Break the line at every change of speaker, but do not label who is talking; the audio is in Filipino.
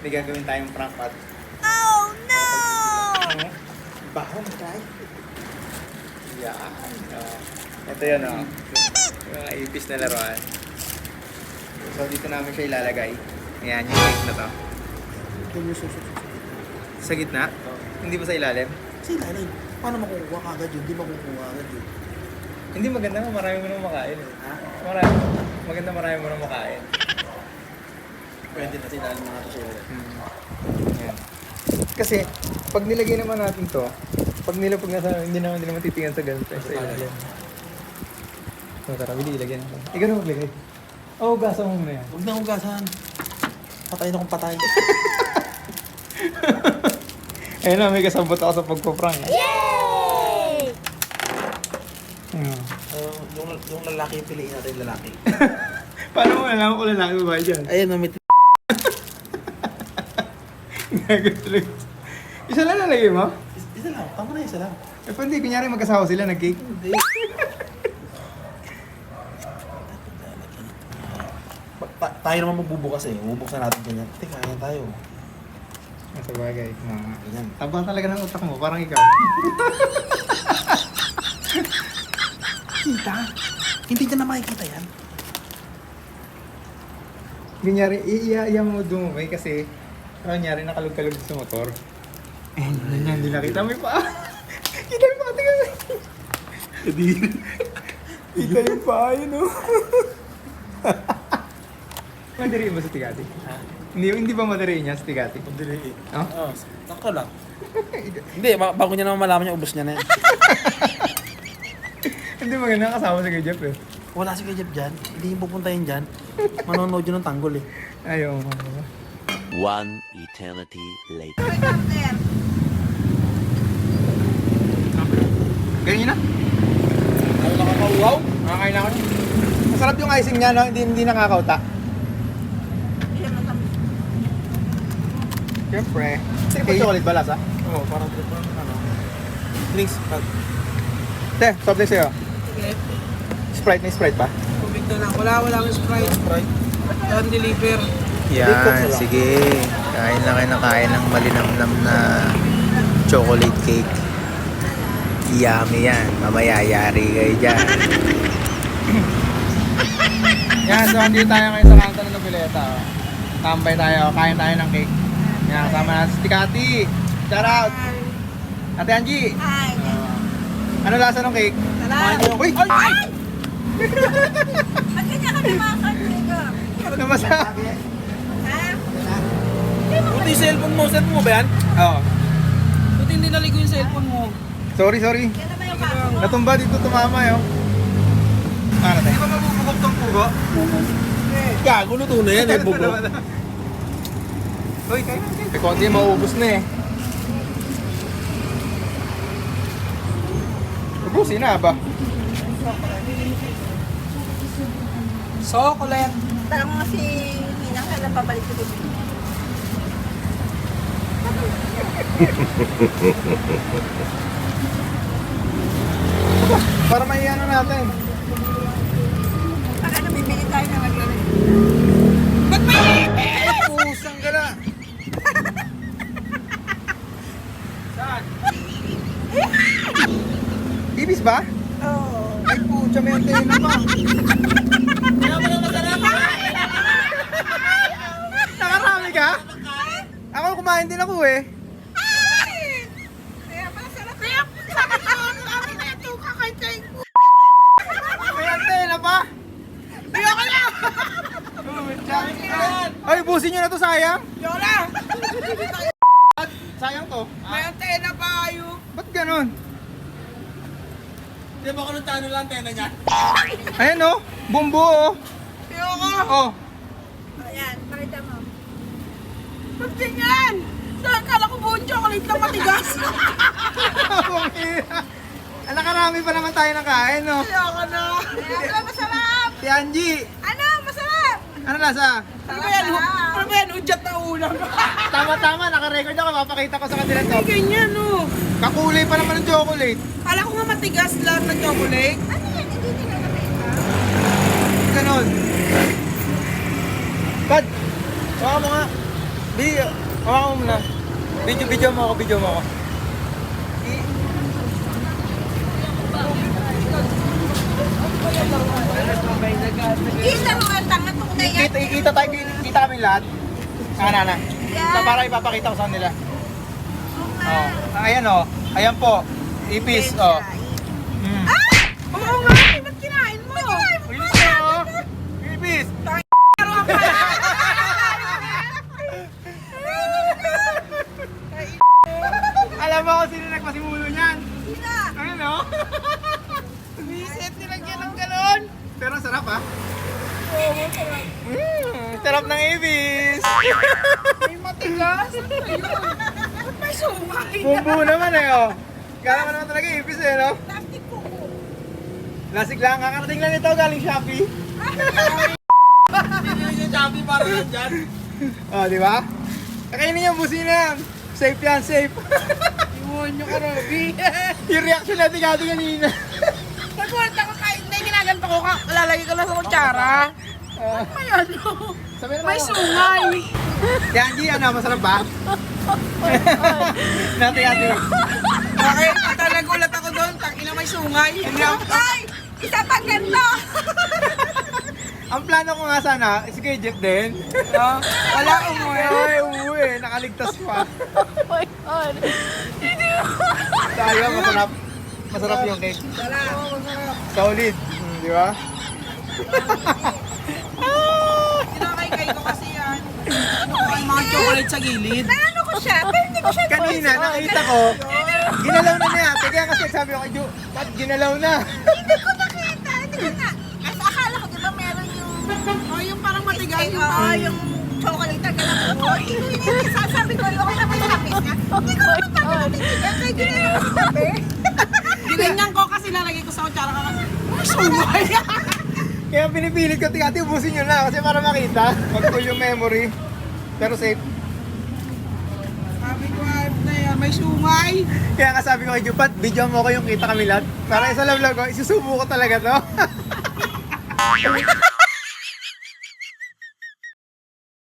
May gagawin tayong prank at
Oh no!
bahong tayo. Yan. Ito yun o. Yung mga ipis na laruan. So dito namin siya ilalagay. Ayan yung cake na to. Sa gitna? Hindi ba sa ilalim?
Sa ilalim. Paano makukuha ka agad yun? Hindi makukuha agad yun.
Hindi maganda nga marami mo nang makain eh.
Ha?
Maganda marami mo nang makain.
Pwede na sinalim mga ito sa ilalim.
Yan. Kasi pag nilagay naman natin to, pag nasa hindi naman titingnan sa ganito sa ilalim. So tara, bili ilagyan natin. Ikaw na maglagay. Oh, gasa mo muna yan.
Huwag na hugasan. Patay na kung patay.
Ayun na, may kasabot ako sa pagpaprank.
Yay!
Yung lalaki yung piliin natin yung lalaki.
Paano mo alam kung lalaki ba dyan?
Ayun, may
Gagawin talaga. Isa lang nalagay mo?
isa lang. Tama na isa lang.
Eh, pwede, kunyari magkasawa sila, nag-cake.
Hindi. Tayo naman magbubukas eh. Bubuksan natin ganyan. Teka, ayan tayo.
Sa bagay,
Ganyan.
taba talaga ng utak mo, parang ikaw.
Kita? Hindi na makikita yan.
Kunyari, iiya mo dumumay kasi kunyari nakalog-kalog sa motor. Eh, hindi nakita. May paa. Kita yung paa, tingnan mo.
Hindi.
Kita yung paa, yun o. Madariin ba sa Tigati?
Ha?
Hindi ba madariin niya sa Tigati?
Hindi.
Oh?
Oo, sakto lang. Hindi, bago niya naman malaman niya, ubos niya na yan.
Hindi maganda kasama si Kuya Jeff eh.
Wala si Kuya Jeff dyan. Hindi yung pupuntahin dyan. Manonood yun ng tanggol eh.
Ayaw mo.
One eternity later.
Ganyan na?
Ano nakakauwaw?
Nakakain ako. Masarap yung icing niya, no? Hindi nakakauta. Siyempre. Sino ba chocolate ba lasa?
Oo, parang ano. Drinks.
Te, soft drink sa'yo.
Sige,
Sprite, may Sprite ba?
tubig na lang. Wala akong Sprite.
Sprite.
Don't deliver.
Yan, sige. Kain na kayo na kain ng malinamnam na chocolate cake. Yummy yan. Mamaya yari kayo dyan. Yan, so andito tayo ngayon sa kanto ng Noveleta. Oh. Tambay tayo, kain tayo ng cake. Yan, kasama natin si Tikati. Shout out! Ate Angie!
Hi!
Ano lasa ng cake?
Sarap!
Uy!
Ay! Ba't ganyan kami mga kaniga?
Ano masa?
Ha?
Buti yung cellphone mo ba yan?
Oo.
Buti hindi naligo yung cellphone mo.
Sorry.
Yan naman yung kaso mo.
Natumba dito tumama yun. Ano tayo?
Di ba mabubugok tong pugo? Gago, luto na yan eh, bugo.
Uy, kayo. May konti mauubos na eh. Ubusin na ba?
Chocolate.
Tanong mo si Ninang kailan pabalik sa bibig.
Para maiano natin.
Baka bibili tayo na mag-ano.
Pusang ka na. Saan? Ibis ba?
Oo.
Ay pucha, may antena pa. Nakarami ka? Ako kumain din ako eh.
Kaya pala sarap. Kaya sabi ko, kami na ito kakaitay ko.
May antena pa.
Ayoko na!
Ay, busin nyo na to, sayang.
Ayoko na!
Sayang to.
May antena pa kayo.
Ba't ganon?
Di ba kung tano lang antena niya?
Ayan oh, bumbu oh.
Ayoko!
Oh.
Ayan, pakita mo.
Ba't ganyan? Saan kala ko buong chocolate lang matigas?
Ang nakarami pa naman tayo ng kain, no?
Ayoko na!
Ano, masarap!
Si Angie,
Ano, masarap!
ano lasa?
Ano ba yan? Ano ba yan? Udyat na ulam.
Tama-tama, naka-record ako, mapakita ko sa kanila to.
Ay, ganyan oh.
Kakulay pa naman ng chocolate.
Kala ko nga matigas lang na chocolate.
Ano yan? Hindi nila nakita.
Ganon. Bad,
Baka mo nga.
Di, hawakan mo muna. Video mo ako, video mo ako.
Isa mo ang tanga to na yan.
Kita kami lahat. Na.
Yeah.
Na para ipapakita ko sa kanila. Oh, ayan oh. Ayan po. Ipis oh. Mm.
Oo nga, ba't kinain mo?
Ipis oh. Ipis. Alam mo kung sino nagpasimulo niyan?
Sina?
Ayun oh.
Visit, nilagyan ng galon.
Pero sarap ah. Sarap ng ibis.
May matigas. Ayun. Ba't may sungay?
Bumbu naman eh oh. Kala mo naman talaga ibis eh no?
Plastic ko.
Lasig lang, kakarating lang ito galing Shopee.
Hindi yung Shopee para lang dyan.
Oh, di ba? Kakainin yung busina yan. Safe yan, safe.
Iwan nyo ka, Robby.
Yung reaction natin kanina.
Nag-work ako kahit na ginaganto ko ka. Lalagay ko lang sa kutsara. May ano?
Sabi
May sungay.
Yanji, ano, masarap ba? Nati.
Bakit? Ata nagulat ako doon. Tangina may sungay.
Hindi ako-
Ay! Isa pang ganito!
Ang plano ko nga sana, si Kuya Jeff din.
Wala umuwi.
Ay, umuwi. Nakaligtas pa.
Oh my God.
Tayo, masarap. Masarap yung cake.
Wala.
Solid. Di ba?
Kinakaykay ko kasi yan. May mga chocolate sa gilid. Naano ko siya? Pero hindi ko siya
Kanina, nakita ko, ginalaw na niya. Kaya kasi sabi ko kay Jo, ba't ginalaw na?
Hindi ko nakita. Hindi ko na. Kasi akala ko diba meron yung... Oh, yung parang matigas. Yung chocolate na ganun. Oh, hindi. Sasabi ko, okay na may tapis niya. Hindi ko naman tayo natitigan. Kaya ginalaw ko sa tabi. Ginanyan ko kasi lalagay ko sa kutsara ka. Ay, sungay.
Kaya pinipilit ko, tingati, ubusin nyo na kasi para makita. Mag-pull yung memory. Pero safe.
Sabi ko, na yan, may sungay.
Kaya nga sabi ko kay Jupat, video mo ko yung kita kami lahat. Para isa lang vlog ko, isusubo ko talaga to.